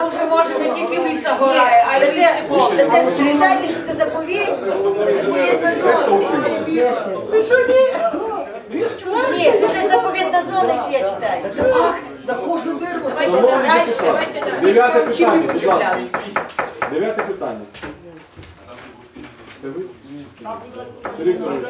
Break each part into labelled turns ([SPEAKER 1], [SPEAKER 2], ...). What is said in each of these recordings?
[SPEAKER 1] Вже може не тільки лиса гора, а й лиси поле.
[SPEAKER 2] Це ж читайте, що це заповідь, це заповідна зона.
[SPEAKER 1] Ви що, ні?
[SPEAKER 2] Ні, це заповідна зона, що я читаю.
[SPEAKER 3] Це акт на кожну дерево.
[SPEAKER 2] Дальше.
[SPEAKER 4] Дев'яте питання, будь ласка. Дев'яте питання. Це ви? Сергій Вікторович.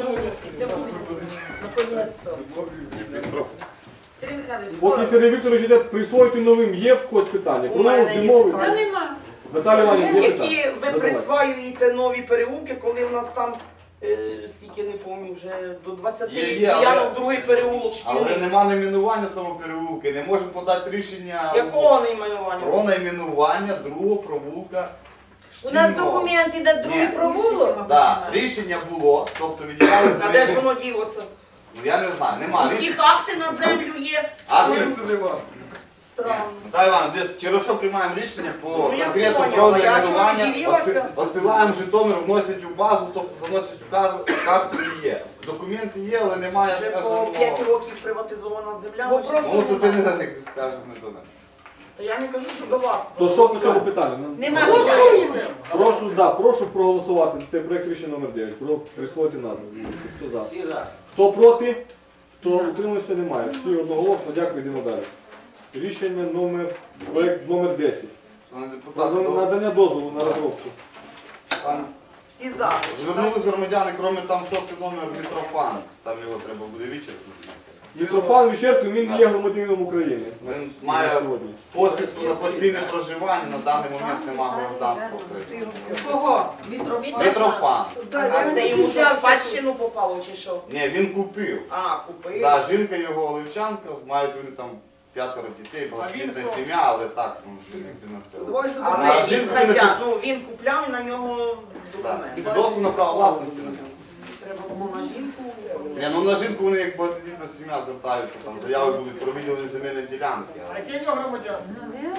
[SPEAKER 2] Сергій Михайлович,
[SPEAKER 4] Поки Сергій Вікторович йде присвоїти новим, є в когось питання? Про нову зимовий?
[SPEAKER 1] Та нема.
[SPEAKER 4] Наталя Іванівна, є питання?
[SPEAKER 5] Які ви присваюєте нові переулки, коли в нас там, стільки не пам'ятаю, вже до 20 ділянок другий переулок
[SPEAKER 6] Але
[SPEAKER 5] шкільний.
[SPEAKER 6] нема найменування самопереулки, не можемо подати рішення
[SPEAKER 5] Якого найменування?
[SPEAKER 6] про найменування другого провулка.
[SPEAKER 2] у нас
[SPEAKER 6] шкільного.
[SPEAKER 2] документи на другий
[SPEAKER 6] Ні.
[SPEAKER 2] провулок.
[SPEAKER 6] Так, рішення було, тобто відділяли
[SPEAKER 5] А де ж
[SPEAKER 6] землю.
[SPEAKER 5] воно ділося?
[SPEAKER 6] Ну я не знаю, нема
[SPEAKER 5] Усіх
[SPEAKER 6] рішення.
[SPEAKER 5] акти на землю є.
[SPEAKER 6] А
[SPEAKER 5] Ну,
[SPEAKER 6] це нема.
[SPEAKER 5] Странно.
[SPEAKER 6] Наталя Івановна, десь через що приймаємо рішення по
[SPEAKER 5] Ну, я
[SPEAKER 6] конкретно
[SPEAKER 5] поняла,
[SPEAKER 6] про
[SPEAKER 5] я
[SPEAKER 6] найменування,
[SPEAKER 5] чого дивилася?
[SPEAKER 6] отсилаємо Житомир, вносять у базу, тобто заносять у карту і є. Документи є, але немає,
[SPEAKER 5] Вже по
[SPEAKER 6] скажімо,
[SPEAKER 5] 5 років приватизована земля.
[SPEAKER 2] Вопрос
[SPEAKER 6] ну то це не на них, скажімо, не до мене.
[SPEAKER 5] Та я не кажу, що до вас.
[SPEAKER 4] То що по цьому питанню?
[SPEAKER 2] Нема питань.
[SPEAKER 4] Прошу проголосувати за цей проект рішення номер 9. Про присвоїти назву. Хто за? Хто проти? Хто утримався, немає. Всі одноголосно, дякую, йдемо далі. Рішення проект номер 10.
[SPEAKER 6] Шановні
[SPEAKER 4] Про
[SPEAKER 6] депутати,
[SPEAKER 4] надання дозволу на розробку.
[SPEAKER 6] там
[SPEAKER 5] Всі за.
[SPEAKER 6] звернулись громадяни, крім там шостий номер Мітрофан, там його треба буде відчеркнути.
[SPEAKER 4] Митрофан Вічерко, він не є громадянином України.
[SPEAKER 6] Він має
[SPEAKER 4] сьогодні.
[SPEAKER 6] посвідку на постійне проживання, на даний момент немає громадянства України.
[SPEAKER 1] Кого?
[SPEAKER 6] Митрофан.
[SPEAKER 5] А це йому що, в спадщину попало чи що?
[SPEAKER 6] Ні, він купив.
[SPEAKER 5] А, купив.
[SPEAKER 6] Да, жінка його оливчанка, мають вони там 5 дітей, багатодітна сім'я, але так, ну, жінки на все.
[SPEAKER 5] Але
[SPEAKER 6] А
[SPEAKER 5] він
[SPEAKER 6] жінку
[SPEAKER 5] хазяїн,
[SPEAKER 6] не
[SPEAKER 5] ну він купляв і на нього
[SPEAKER 6] Так,
[SPEAKER 5] документ.
[SPEAKER 6] свідоцтво на право власності на нього.
[SPEAKER 5] Треба було на жінку.
[SPEAKER 6] Ні, ну на жінку вони як багатодітна сім'я звертаються, там заяви будуть про виділення земельної ділянки.
[SPEAKER 5] Яке в нього громадянство?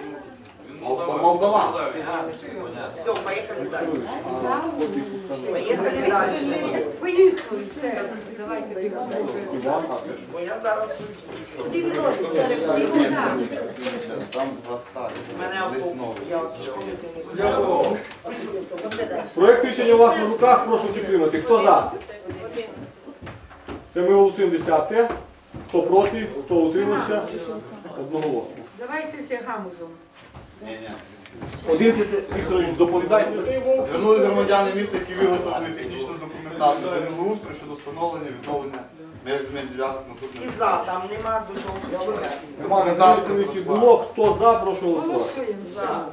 [SPEAKER 6] Молдаван.
[SPEAKER 5] Все, поїхали далі.
[SPEAKER 4] А, поки Оксана
[SPEAKER 5] Поїхали далі.
[SPEAKER 1] Поїхали, все. Давайте бігом.
[SPEAKER 4] Іван, а це що?
[SPEAKER 5] Бо я зараз
[SPEAKER 2] Куди він робить?
[SPEAKER 1] Серед всіх одна.
[SPEAKER 6] Там два старі.
[SPEAKER 5] у мене
[SPEAKER 6] Десь
[SPEAKER 5] автобус.
[SPEAKER 6] новий.
[SPEAKER 5] Я от школи не знаю.
[SPEAKER 4] Проект рішення у вас на руках, прошу підтримати. Хто за? Це ми голосуємо 10-те. Хто проти, хто утримався? Одноголосно.
[SPEAKER 1] Давайте всі гамузом.
[SPEAKER 6] Ні, ні.
[SPEAKER 4] 11 Вікторович, доповідайте.
[SPEAKER 6] Звернулись громадяни міста, які виготовили технічну документацію землеустрою щодо встановлення відновлення меж земельних ділянок на
[SPEAKER 5] Всі
[SPEAKER 6] тут.
[SPEAKER 5] за, там нема до чого включати.
[SPEAKER 4] Нема на комісії було. Хто за, прошу голосувати.
[SPEAKER 1] Голосуємо за.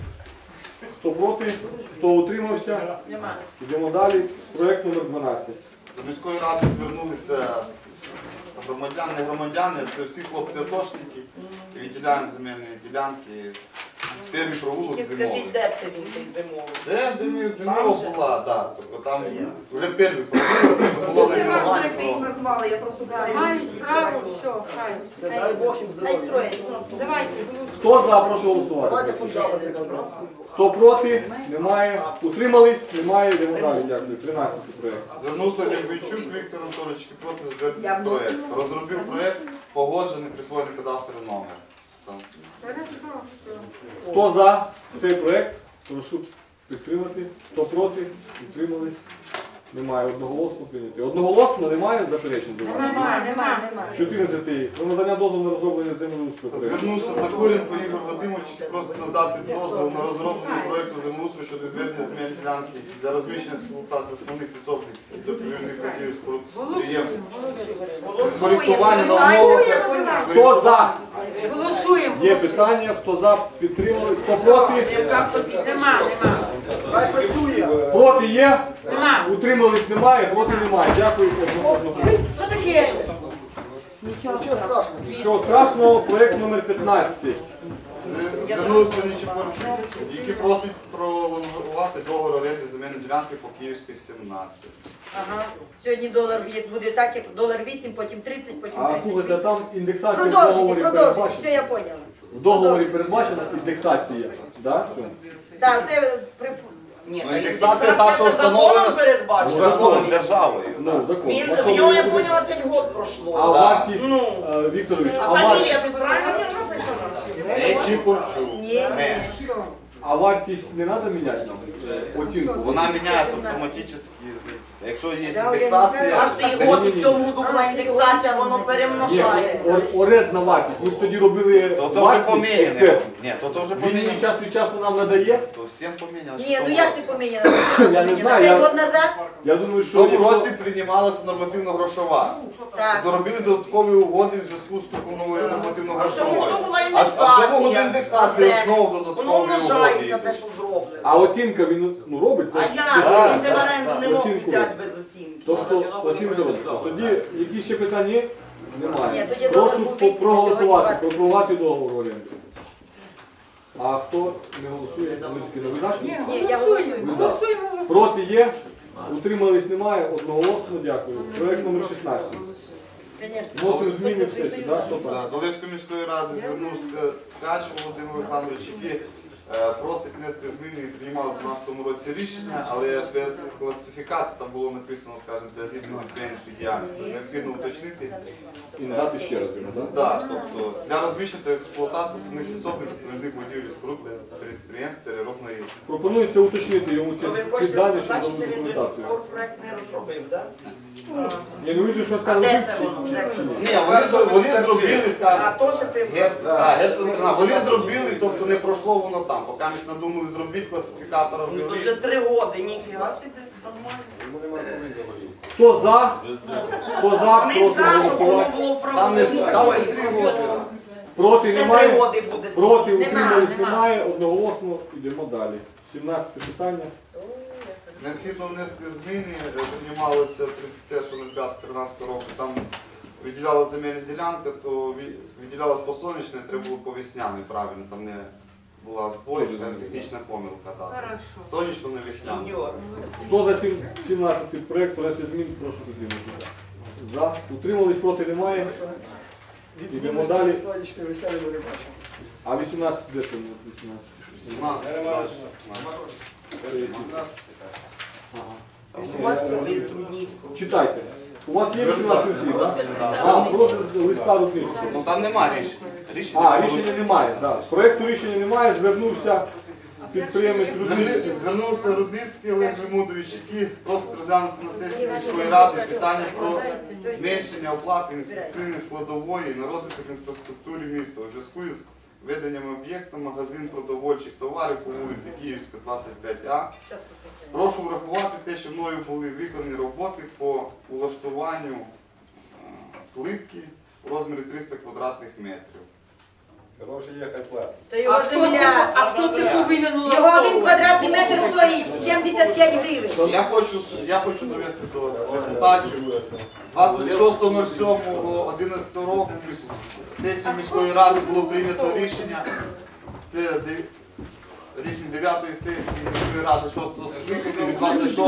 [SPEAKER 4] Хто проти, хто утримався?
[SPEAKER 5] Нема.
[SPEAKER 4] Йдемо далі. Проект номер 12.
[SPEAKER 6] До міської ради звернулися громадяни, не громадяни, це всі хлопці-атошники, і відділяємо земельні ділянки. Перший провулок
[SPEAKER 5] Тільки
[SPEAKER 6] зимовий.
[SPEAKER 5] скажіть, де це він цей зимовий?
[SPEAKER 6] Це де ми
[SPEAKER 5] Там
[SPEAKER 6] зимова
[SPEAKER 5] же?
[SPEAKER 6] була, так. Тобто там вже перший провулок, було
[SPEAKER 5] Це важливо,
[SPEAKER 6] найменування
[SPEAKER 5] як ви їх
[SPEAKER 6] про...
[SPEAKER 5] назвали, я просто питаю.
[SPEAKER 1] Мають право, все, хай.
[SPEAKER 3] Дай Бог їм
[SPEAKER 2] Хай
[SPEAKER 3] здоров'я.
[SPEAKER 2] строїться.
[SPEAKER 1] Давайте.
[SPEAKER 4] Хто за, прошу голосувати.
[SPEAKER 3] Давайте фундамент це забрати.
[SPEAKER 4] Хто проти? Немає. Утримались? Немає. Йдемо далі. Дякую. 13 проект.
[SPEAKER 6] Звернувся Лівійчук Віктор Анатолійович, який просить затвердити проєкт. Розробив проєкт, погоджений, присвоєний кадастровий номер. Все.
[SPEAKER 1] Хорошо.
[SPEAKER 4] Хто за цей проект? Прошу підтримати. Хто проти? Утримались? Немає. Одноголосно прийняти. Одноголосно немає заперечень до вас?
[SPEAKER 2] Нема.
[SPEAKER 4] 14. Про надання дозволу на розроблення землеустрою проекту.
[SPEAKER 6] Звернувся Закуренко Ігор Вадимович, який просить надати дозвіл на розроблення проєкту землеустрою щодо відведення земельної ділянки для розміщення експлуатації основних підсобних допоміжних будівель споруд підприємств. Користування на умовах.
[SPEAKER 4] Хто за?
[SPEAKER 1] Голосуємо.
[SPEAKER 4] Є питання. Хто за? Підтримали? Хто проти?
[SPEAKER 1] Нема.
[SPEAKER 3] Хай працює.
[SPEAKER 4] Проти є?
[SPEAKER 1] Нема.
[SPEAKER 4] Утримались? Немає? Проти немає. Дякую.
[SPEAKER 2] Що таке?
[SPEAKER 3] Нічого страшного.
[SPEAKER 4] Всього страшного. Проект номер 15.
[SPEAKER 6] Звернувся Нечипорчук, який просить пролонгувати договор оренди земельної ділянки по Київській 17.
[SPEAKER 2] Ага. Сьогодні долар буде так, як долар 8, потім 30, потім
[SPEAKER 4] А слухайте,
[SPEAKER 2] 38.
[SPEAKER 4] там індексація в
[SPEAKER 2] Продовжуйте,
[SPEAKER 4] договорі
[SPEAKER 2] продовжуйте. Все,
[SPEAKER 4] передбачена.
[SPEAKER 2] я поняла.
[SPEAKER 4] В договорі передбачена індексація. Да? Що?
[SPEAKER 2] Так, це при...
[SPEAKER 5] Ні,
[SPEAKER 6] Ну,
[SPEAKER 5] та
[SPEAKER 6] індексація та, що
[SPEAKER 5] це
[SPEAKER 6] встановлена
[SPEAKER 5] законом передбачена.
[SPEAKER 6] законом державою.
[SPEAKER 4] Ну, закон.
[SPEAKER 5] Він,
[SPEAKER 4] А що
[SPEAKER 5] в нього,
[SPEAKER 4] ви
[SPEAKER 5] я
[SPEAKER 4] будете-
[SPEAKER 5] поняла, 5 років пройшло.
[SPEAKER 4] А вартість,
[SPEAKER 5] Ну.
[SPEAKER 4] Вікторович,
[SPEAKER 5] А
[SPEAKER 4] а вартість,
[SPEAKER 5] фамілія тут правильно написана?
[SPEAKER 6] Не Чіпурчук.
[SPEAKER 2] Ні,
[SPEAKER 6] Не.
[SPEAKER 1] Що?
[SPEAKER 4] А вартість не треба міняти нам? Оцінку?
[SPEAKER 6] Вона міняється автоматично. Якщо є
[SPEAKER 2] Да,
[SPEAKER 6] індексація,
[SPEAKER 5] Кожний год у цьому году була індексація, воно
[SPEAKER 4] Ні,
[SPEAKER 5] перемножається.
[SPEAKER 4] орендна вартість. Ми ж тоді робили
[SPEAKER 6] то вже
[SPEAKER 4] вартість
[SPEAKER 6] поміняно.
[SPEAKER 4] експерт.
[SPEAKER 6] Ні, то вже
[SPEAKER 4] Він її
[SPEAKER 6] поміняно.
[SPEAKER 4] час від часу нам надає.
[SPEAKER 6] То всім поміняно.
[SPEAKER 2] Ні, ну як це поміняно?
[SPEAKER 4] Я не знаю,
[SPEAKER 2] 5
[SPEAKER 4] я-
[SPEAKER 2] років назад?
[SPEAKER 4] Я думаю,
[SPEAKER 6] В
[SPEAKER 4] що
[SPEAKER 6] тому
[SPEAKER 4] якщо-
[SPEAKER 6] році приймалася нормативно-грошова.
[SPEAKER 2] Так.
[SPEAKER 6] Доробили додаткові угоди в зв'язку з такою новою
[SPEAKER 5] В цьому
[SPEAKER 6] нормативно-грошовою.
[SPEAKER 5] году була
[SPEAKER 6] А в цьому году
[SPEAKER 5] індексація.
[SPEAKER 6] індексація знову
[SPEAKER 5] Воно
[SPEAKER 6] додаткові
[SPEAKER 5] множається
[SPEAKER 6] угоди.
[SPEAKER 5] те, що зроблено.
[SPEAKER 4] А оцінка він робить, це
[SPEAKER 5] А
[SPEAKER 4] ж-
[SPEAKER 5] я
[SPEAKER 6] Так,
[SPEAKER 5] він же в
[SPEAKER 6] так,
[SPEAKER 5] оренду
[SPEAKER 6] так.
[SPEAKER 5] не мог
[SPEAKER 4] Оцінку.
[SPEAKER 5] взяти без оцінки.
[SPEAKER 4] Тобто оцінка робиться. Тоді які ще питання є? Немає.
[SPEAKER 2] Ні, тоді договір
[SPEAKER 4] Прошу
[SPEAKER 2] був 8,
[SPEAKER 4] проголосувати,
[SPEAKER 2] сьогодні 20.
[SPEAKER 4] пропонувати договор оренди. А хто не голосує, ви тільки не видачні?
[SPEAKER 1] Ні,
[SPEAKER 2] Ні, я
[SPEAKER 1] голосуємо.
[SPEAKER 2] голосую.
[SPEAKER 1] Голосуємо.
[SPEAKER 4] Проти є? Утримались немає? Одноголосно дякую. Проект номер 16.
[SPEAKER 2] Звісно.
[SPEAKER 4] Вносимо зміни в сесію, так? Що там?
[SPEAKER 6] До Левської міської ради звернувся Ткач Володимир Олександрович, який просить внести зміни і приймав в 2012 році рішення, але без класифікації там було написано, скажімо, для здійснення підприємницької діяльності. Необхідно уточнити.
[SPEAKER 4] І надати ще раз йому, так?
[SPEAKER 6] Так, тобто для розміщення та експлуатації основних підсобних відповідних будівель і споруд для підприємств переробної
[SPEAKER 4] Пропонується уточнити йому
[SPEAKER 5] То ви
[SPEAKER 4] ці
[SPEAKER 5] хочете
[SPEAKER 4] дані,
[SPEAKER 5] сказати,
[SPEAKER 4] щоб
[SPEAKER 5] що це
[SPEAKER 4] дали
[SPEAKER 5] він до сих
[SPEAKER 4] документацію.
[SPEAKER 5] пор проект не розробив, так?
[SPEAKER 4] Ні, ну він же щось
[SPEAKER 5] А
[SPEAKER 4] там
[SPEAKER 5] де
[SPEAKER 4] робив
[SPEAKER 5] це
[SPEAKER 4] чи-
[SPEAKER 5] воно? Де це?
[SPEAKER 6] Ні, вони зробили,
[SPEAKER 5] А
[SPEAKER 6] скажімо,
[SPEAKER 5] то, що ти
[SPEAKER 6] вони зробили, тобто не пройшло воно там. Поки ми надумали зробити класифікатора
[SPEAKER 5] Ну, це
[SPEAKER 6] ввели.
[SPEAKER 5] вже 3 роки, ніфіга собі, нормально.
[SPEAKER 4] Хто за? Хто за?
[SPEAKER 5] Ми
[SPEAKER 4] Проти
[SPEAKER 5] за, щоб воно
[SPEAKER 4] голосувати.
[SPEAKER 5] було
[SPEAKER 6] Там не
[SPEAKER 5] правильно.
[SPEAKER 6] там 3 роки.
[SPEAKER 4] Проти
[SPEAKER 5] Ще 3
[SPEAKER 4] немає?
[SPEAKER 5] роки буде.
[SPEAKER 4] Проти
[SPEAKER 5] сидіти.
[SPEAKER 4] утримались немає, одноголосно йдемо далі. 17 питання.
[SPEAKER 6] Необхідно внести зміни, приймалося 31.05.13 року, там виділялася земельна ділянка, то виділялася по сонячне, треба було по весняне, правильно, там не була збой, скажімо, технічна помилка. Так.
[SPEAKER 1] Хорошо.
[SPEAKER 6] Сонячно не весняне.
[SPEAKER 5] Сеньор.
[SPEAKER 4] Хто за 17 проект внесе змін, прошу підтримати. За. Утримались, проти немає. Йдемо далі.
[SPEAKER 3] Сонячний весняний ми не бачимо.
[SPEAKER 4] А 18 де там? 18?
[SPEAKER 6] 17, далі.
[SPEAKER 5] Лист Трудницького.
[SPEAKER 4] Читайте. У вас є 18 слів, так? А, просто листа Рудницького.
[SPEAKER 6] Ну там нема рішення.
[SPEAKER 4] А, рішення немає, так. Проекту рішення немає, звернувся підприємець Рудницький.
[SPEAKER 6] Звернувся Рудницький Олег Жемудович, який просить розглянути на сесії міської ради питання про зменшення оплати інвестиційної складової на розвиток інфраструктури міста у зв'язку із веденням об'єкту магазин продовольчих товарів по вулиці Київська, 25А. Прошу врахувати те, що мною були виконані роботи по улаштуванню плитки у розмірі 300 квадратних метрів.
[SPEAKER 3] Гроші є, хай платить.
[SPEAKER 2] Це його земля.
[SPEAKER 1] А хто це повинен
[SPEAKER 2] Його
[SPEAKER 1] улаштовувати?
[SPEAKER 2] 1 квадратний метр стоїть 75 гривень.
[SPEAKER 6] Я хочу довести до депутатів. 26.07.11 року сесію міської ради було прийнято рішення. Це рішення 9-ї сесії міської ради 6-го скликання від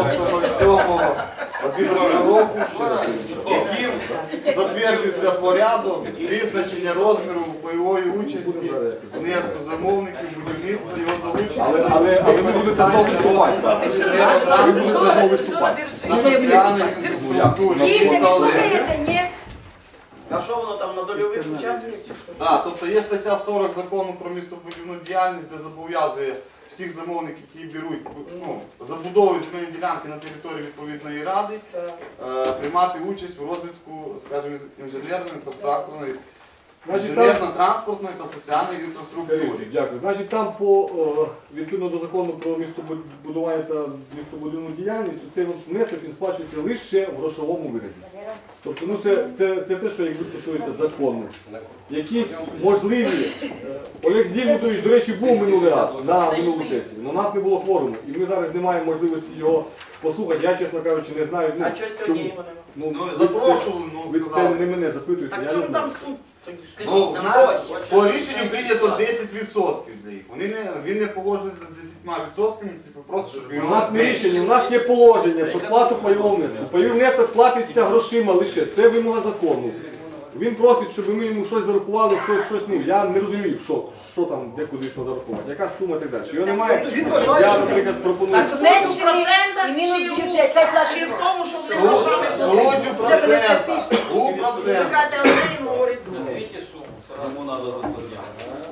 [SPEAKER 6] 26.07.11 року, яким затвердився порядок призначення розміру бойової участі внеску замовників будівництва, його залучення
[SPEAKER 4] Але ви будете знову виступати. Ви будете знову виступати.
[SPEAKER 6] на соціальній інфраструктурі.
[SPEAKER 2] Тише, ви слухаєте, ні?
[SPEAKER 5] А що воно там на дольових участках чи що?
[SPEAKER 6] Так, тобто є стаття 40 закону про містобудівну діяльність, де зобов'язує всіх замовників, які беруть, забудовують земельні ділянки на території відповідної ради, приймати участь у розвитку, скажімо, інженерної, інфраструктурної, інженерно-транспортної та соціальної інфраструктури.
[SPEAKER 4] Дякую. Значить, там по відповідно до закону про містобудування та містобудівну діяльність, цей внесок він сплачується лише в грошовому вигляді. Тобто, ну це те, що якби стосується закону. Якісь можливі. Олег Здільмутович, до речі, був минулий раз на минулу сесію. Але у нас не було кворуму. І ми зараз не маємо можливості його послухати. Я, чесно кажучи, не знаю.
[SPEAKER 5] А що сьогодні його немає?
[SPEAKER 6] Ну,
[SPEAKER 4] ви
[SPEAKER 6] запрошували,
[SPEAKER 4] ви це
[SPEAKER 6] сказали.
[SPEAKER 4] не мене запитуєте,
[SPEAKER 5] Так
[SPEAKER 4] я
[SPEAKER 5] в
[SPEAKER 4] не
[SPEAKER 5] чому
[SPEAKER 4] знаю.
[SPEAKER 5] там суть? Тоді
[SPEAKER 6] Ну,
[SPEAKER 5] скажіть
[SPEAKER 6] в
[SPEAKER 5] нам
[SPEAKER 6] нас
[SPEAKER 5] гроші.
[SPEAKER 6] по рішенню прийнято 10% для їх. Він не погоджується з 10%, типу, просто щоб
[SPEAKER 4] У
[SPEAKER 6] його
[SPEAKER 4] нас не
[SPEAKER 6] зменшити.
[SPEAKER 4] рішення, у нас є положення про сплату пайового внеску. Пайовий внесок платиться грошима лише. Це вимога закону. Він просить, щоб ми йому щось зарахували, щось ну. Я не розумію, що там, де куди що зарахувати. Яка сума і так далі. Його немає.
[SPEAKER 3] Він вважає,
[SPEAKER 4] Я,
[SPEAKER 3] що
[SPEAKER 4] наприклад, пропоную.
[SPEAKER 5] Так
[SPEAKER 2] Зменшений і мінус бюджет. Хай
[SPEAKER 5] Чи в
[SPEAKER 2] платить.
[SPEAKER 5] тому, що ви
[SPEAKER 6] Суть
[SPEAKER 5] нажали?
[SPEAKER 6] у процентах. У процентах.
[SPEAKER 5] Чекайте, Андрій говорить.
[SPEAKER 7] Назвите сумму, сразу ему надо заплатить.
[SPEAKER 3] Добре.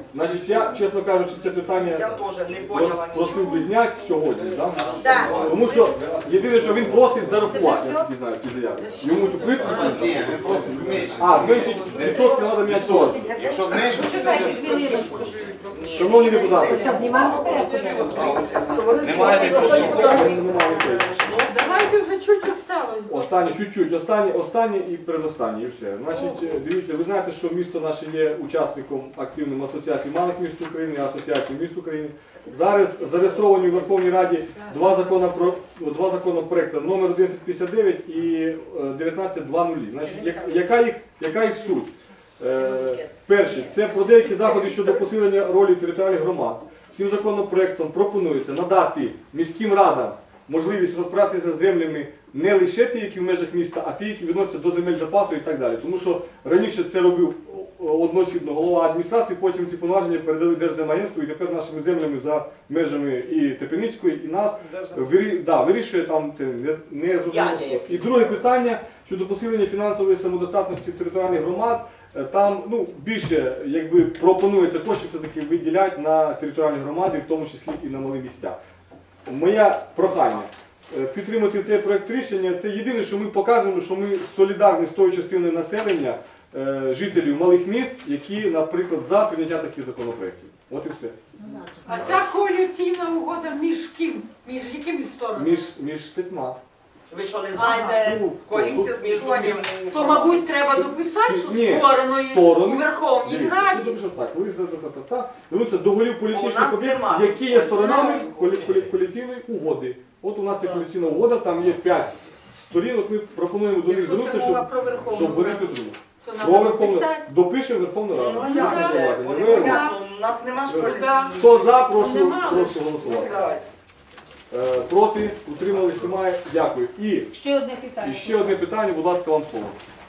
[SPEAKER 4] Значить, я, чесно кажучи, це
[SPEAKER 5] Я
[SPEAKER 4] питання
[SPEAKER 5] теж не поняла.
[SPEAKER 4] просив би зняти сьогодні, да?
[SPEAKER 2] Так.
[SPEAKER 4] Тому що єдине, що він просить зарахувати,
[SPEAKER 2] Це
[SPEAKER 4] я
[SPEAKER 2] все?
[SPEAKER 4] тільки знаю ці заяви. Йому цю плитку.
[SPEAKER 6] Ні, він просить зменшити.
[SPEAKER 4] А, зменшить відсотки треба міняти.
[SPEAKER 6] Відсотки. Якщо зменшити, то
[SPEAKER 7] Почекайте
[SPEAKER 6] це
[SPEAKER 7] хвилиночку.
[SPEAKER 4] Шановні депутати,
[SPEAKER 2] Знімаємо спереду.
[SPEAKER 6] немає такого.
[SPEAKER 4] немає відповіді.
[SPEAKER 1] Давайте вже чуть осталось.
[SPEAKER 4] Останнє, чуть-чуть, останнє і передостаннє, і все. Значить, дивіться, ви знаєте, що місто наше є учасником активним Асоціації малих міст України, Асоціації міст України. Зараз зареєстровані у Верховній Раді два законопроекти, номер 1159 і 1920. Значить, яка їх суть? Перше, це про деякі заходи щодо посилення ролі територіальних громад. Цим законопроектом пропонується надати міським радам можливість розпиратися з землями не лише ті, які в межах міста, а ті, які відносяться до земель запасу і так далі. Тому що раніше це робив одноосібно голова адміністрації, потім ці повноваження передали Держземагентству, і тепер нашими землями за межами і Тепеницької, і нас вирішує там це не зрозуміло. І друге питання щодо посилення фінансової самодостатності територіальних громад. Там більше пропонується коштів все-таки виділяти на територіальні громади, в тому числі і на малі місця. Моє прохання підтримати цей проект рішення. Це єдине, що ми показуємо, що ми солідарні з тою частиною населення, жителів малих міст, які, наприклад, за прийняття таких законопроєктів. От і все.
[SPEAKER 1] А ця коаліційна угода між ким? Між якими сторонами?
[SPEAKER 4] Між п'ятьма.
[SPEAKER 5] Ви що, не знаєте, коаліція між другими?
[SPEAKER 1] То, мабуть, треба дописати, що
[SPEAKER 4] Ні,
[SPEAKER 1] створено
[SPEAKER 4] сторони.
[SPEAKER 1] у Верховній Раді.
[SPEAKER 4] Дивіться, так, звернуться до голів
[SPEAKER 5] У
[SPEAKER 4] політичних
[SPEAKER 5] нас
[SPEAKER 4] об'єктів,
[SPEAKER 5] нема.
[SPEAKER 4] які є сторонами коаліційної угоди. От у нас є коаліційна угода, там є 5 сторін, от ми пропонуємо до них
[SPEAKER 1] Якщо це
[SPEAKER 4] звернутися,
[SPEAKER 1] мова про Верховну
[SPEAKER 4] щоб вони
[SPEAKER 1] Раду,
[SPEAKER 4] підтримали.
[SPEAKER 1] то
[SPEAKER 4] Про
[SPEAKER 1] треба
[SPEAKER 4] Верховну
[SPEAKER 1] дописати.
[SPEAKER 4] допишемо Верховну Раду.
[SPEAKER 5] Ну, а
[SPEAKER 4] Без
[SPEAKER 5] як же?
[SPEAKER 4] зауваження.
[SPEAKER 5] Вони
[SPEAKER 4] Ви-
[SPEAKER 5] понятно, у нас нема ж коаліції.
[SPEAKER 4] Хто за, прошу
[SPEAKER 1] Нема.
[SPEAKER 4] голосувати. Проти, утримались, немає. Дякую. І
[SPEAKER 7] Ще одне питання.
[SPEAKER 4] ще одне питання, будь ласка, вам слово.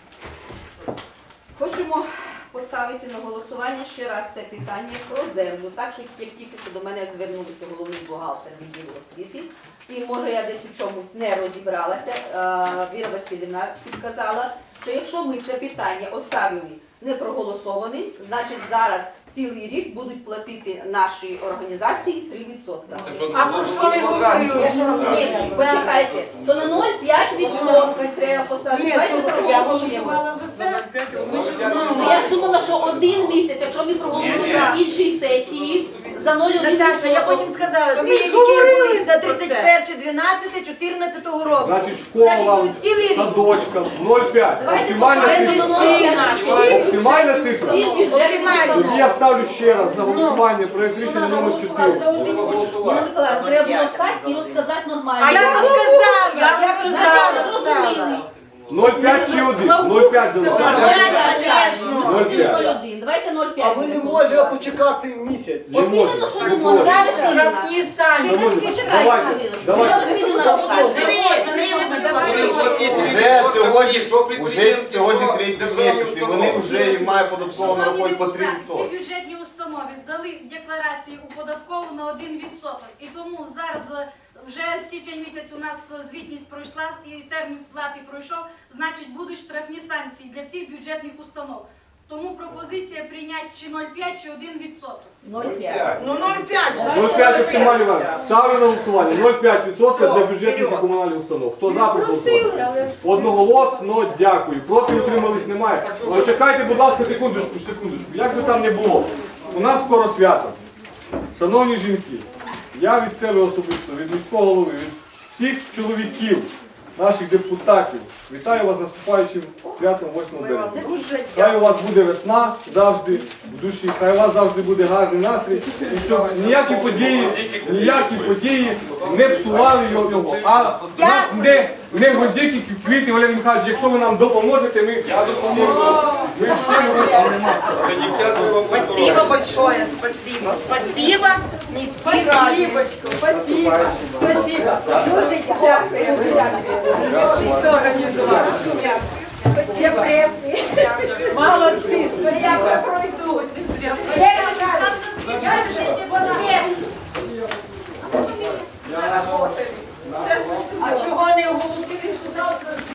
[SPEAKER 7] Хочемо поставити на голосування ще раз це питання про землю. Так, що як тільки що до мене звернувся головний бухгалтер відділу освіти, і може я десь у чомусь не розібралася, Віра Васильівна підказала, що якщо ми це питання оставили не проголосованим, значить зараз цілий рік будуть платити наші організації 3%.
[SPEAKER 1] А про що ми говорили?
[SPEAKER 7] Ні, почекайте, то на 0,5% треба поставити.
[SPEAKER 1] Ні,
[SPEAKER 7] Давайте
[SPEAKER 1] то я
[SPEAKER 7] проголосуємо.
[SPEAKER 1] голосувала за це.
[SPEAKER 7] Ну, я ж думала, що один місяць, якщо ми проголосуємо на іншій сесії, за 0,1%.
[SPEAKER 2] Наташа, я потім сказала,
[SPEAKER 1] Та ми
[SPEAKER 2] дві
[SPEAKER 1] ж
[SPEAKER 2] які
[SPEAKER 1] говорили
[SPEAKER 2] будуть за
[SPEAKER 1] про це.
[SPEAKER 2] 31.12.14 року.
[SPEAKER 4] Значить, школам,
[SPEAKER 2] цілий рік.
[SPEAKER 4] садочкам 0,5.
[SPEAKER 7] Давайте
[SPEAKER 4] Оптимальна
[SPEAKER 7] поставимо
[SPEAKER 4] цифра.
[SPEAKER 7] на 0,5.
[SPEAKER 4] Оптимальна цифра.
[SPEAKER 7] Всі бюджетні
[SPEAKER 4] Тоді я ставлю ще раз на голосування проект рішення номер 4.
[SPEAKER 7] Ніна Миколаївна, треба було стати і розказати нормально.
[SPEAKER 2] А я розказала, я
[SPEAKER 7] Значить,
[SPEAKER 2] розказала.
[SPEAKER 7] зрозуміли.
[SPEAKER 4] 0,5 чи 1? 0,5 залишаємо.
[SPEAKER 7] 0,1. Давайте 0,5.
[SPEAKER 8] А ми не можемо почекати місяць.
[SPEAKER 4] Не
[SPEAKER 7] От іменно,
[SPEAKER 4] можна.
[SPEAKER 7] що не можна.
[SPEAKER 2] Зараз
[SPEAKER 7] Ірина.
[SPEAKER 2] штрафні самі.
[SPEAKER 4] Шановні,
[SPEAKER 7] Почекайте,
[SPEAKER 4] давайте,
[SPEAKER 7] Ірина.
[SPEAKER 4] давайте.
[SPEAKER 7] Ірина Васильівна розкаже.
[SPEAKER 6] Уже сьогодні третій місяць, і вони вже мають податково на роботі по 3%.
[SPEAKER 9] Всі бюджетні установи здали декларації у податкову на 1%. І тому зараз вже січень місяць у нас звітність пройшла і термін сплати пройшов, значить будуть штрафні санкції для всіх бюджетних установ. Тому пропозиція прийняти чи 0,5, чи 1%.
[SPEAKER 7] 0,5.
[SPEAKER 5] Ну 0,5.
[SPEAKER 4] 0,5 оптимальний варіант. Ставлю на голосування. 0,5% для бюджетних і комунальних установ. Хто за, прошу
[SPEAKER 1] Просили,
[SPEAKER 4] голосувати.
[SPEAKER 1] але ж...
[SPEAKER 4] Одноголосно дякую. Проти утримались немає. Почекайте, будь ласка, секундочку. Як би там не було. У нас скоро свято. Шановні жінки, я від себе особисто, від міського голови, від всіх чоловіків, наших депутатів, вітаю вас з наступаючим святом 8 березня. Хай у вас буде весна завжди в душі, хай у вас завжди буде гарний настрій, і щоб ніякі події не псували його. А нас не гвоздики, квіти, Валерій Михайлович, якщо ви нам допоможете, ми допоможемо. Ми всі
[SPEAKER 2] Спасибо большое, спасибо. Спасибо, міській раді.
[SPEAKER 1] Спасибочку, спасибо. Спасибо. Дуже дякую. Хто організував? Всі преси. Молодці, спасибо. Пройдуть. Не зря. А чого не оголосили, що завтра?